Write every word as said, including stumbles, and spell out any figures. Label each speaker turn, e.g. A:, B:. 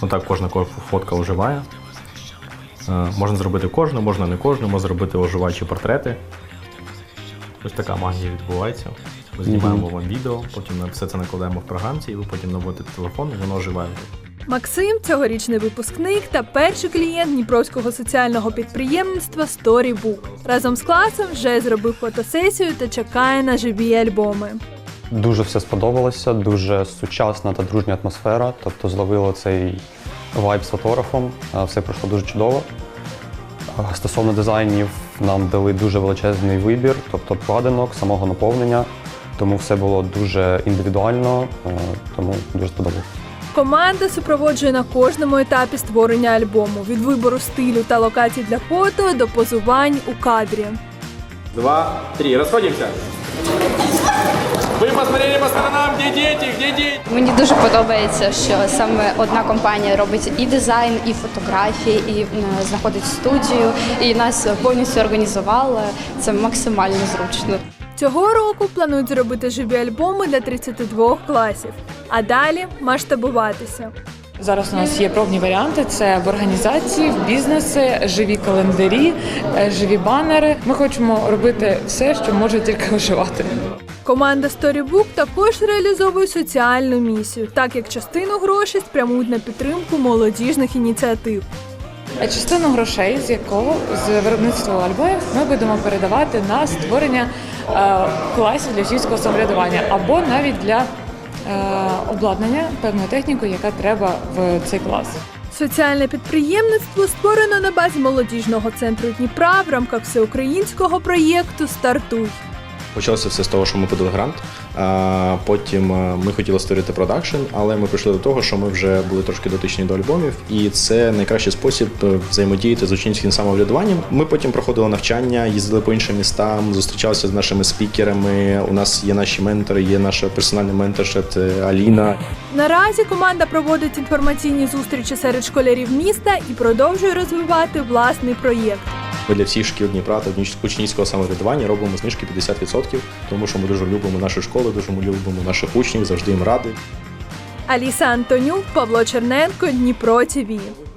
A: Отак кожна фотка оживає. Можна зробити кожну, можна не кожну, можна зробити оживаючі портрети. Ось така магія відбувається. Ми знімаємо вам відео, потім ми все це накладаємо в програмці, і ви потім наводите телефон, і воно оживає.
B: Максим – цьогорічний випускник та перший клієнт Дніпровського соціального підприємництва Storybook. Разом з класом вже зробив фотосесію та чекає на живі альбоми.
C: Дуже все сподобалося, дуже сучасна та дружня атмосфера, тобто зловило цей вайб з фотографом, все пройшло дуже чудово. Стосовно дизайнів, нам дали дуже величезний вибір, тобто вкладинок, самого наповнення, тому все було дуже індивідуально, тому дуже сподобалося.
B: Команда супроводжує на кожному етапі створення альбому – від вибору стилю та локацій для фото до позувань у кадрі.
A: Два, три, розходимося! Ви посмотрели по сторонам, де діти, де діти?
D: Мені дуже подобається, що саме одна компанія робить і дизайн, і фотографії, і знаходить студію, і нас повністю організувала. Це максимально зручно.
B: Цього року планують зробити живі альбоми для тридцяти двох класів, а далі масштабуватися.
E: Зараз у нас є пробні варіанти, це в організації, в бізнесі, живі календарі, живі банери. Ми хочемо робити все, що може тільки виживати.
B: Команда Storybook також реалізовує соціальну місію, так як частину грошей спрямують на підтримку молодіжних ініціатив.
E: А частину грошей, з якого з виробництва альбомів, ми будемо передавати на створення е, класів для учнівського самоврядування або навіть для е, обладнання певною технікою, яка треба в цей клас.
B: Соціальне підприємництво створено на базі молодіжного центру Дніпра в рамках всеукраїнського проєкту «Стартуй».
A: Почалося все з того, що ми подали грант, а потім ми хотіли створити продакшн, але ми прийшли до того, що ми вже були трошки дотичні до альбомів, і це найкращий спосіб взаємодіяти з учнівським самоврядуванням. Ми потім проходили навчання, їздили по іншим містам, зустрічалися з нашими спікерами, у нас є наші ментори, є наша персональна менторша Аліна.
B: Наразі команда проводить інформаційні зустрічі серед школярів міста і продовжує розвивати власний проєкт.
A: Ми для всіх шкіл Дніпра та учнівського самоврядування робимо знижки п'ятдесят відсотків, тому що ми дуже любимо нашу школу, дуже любимо наших учнів, завжди їм раді.
B: Аліса Антонюк, Павло Черненко, Дніпро ТІВІ.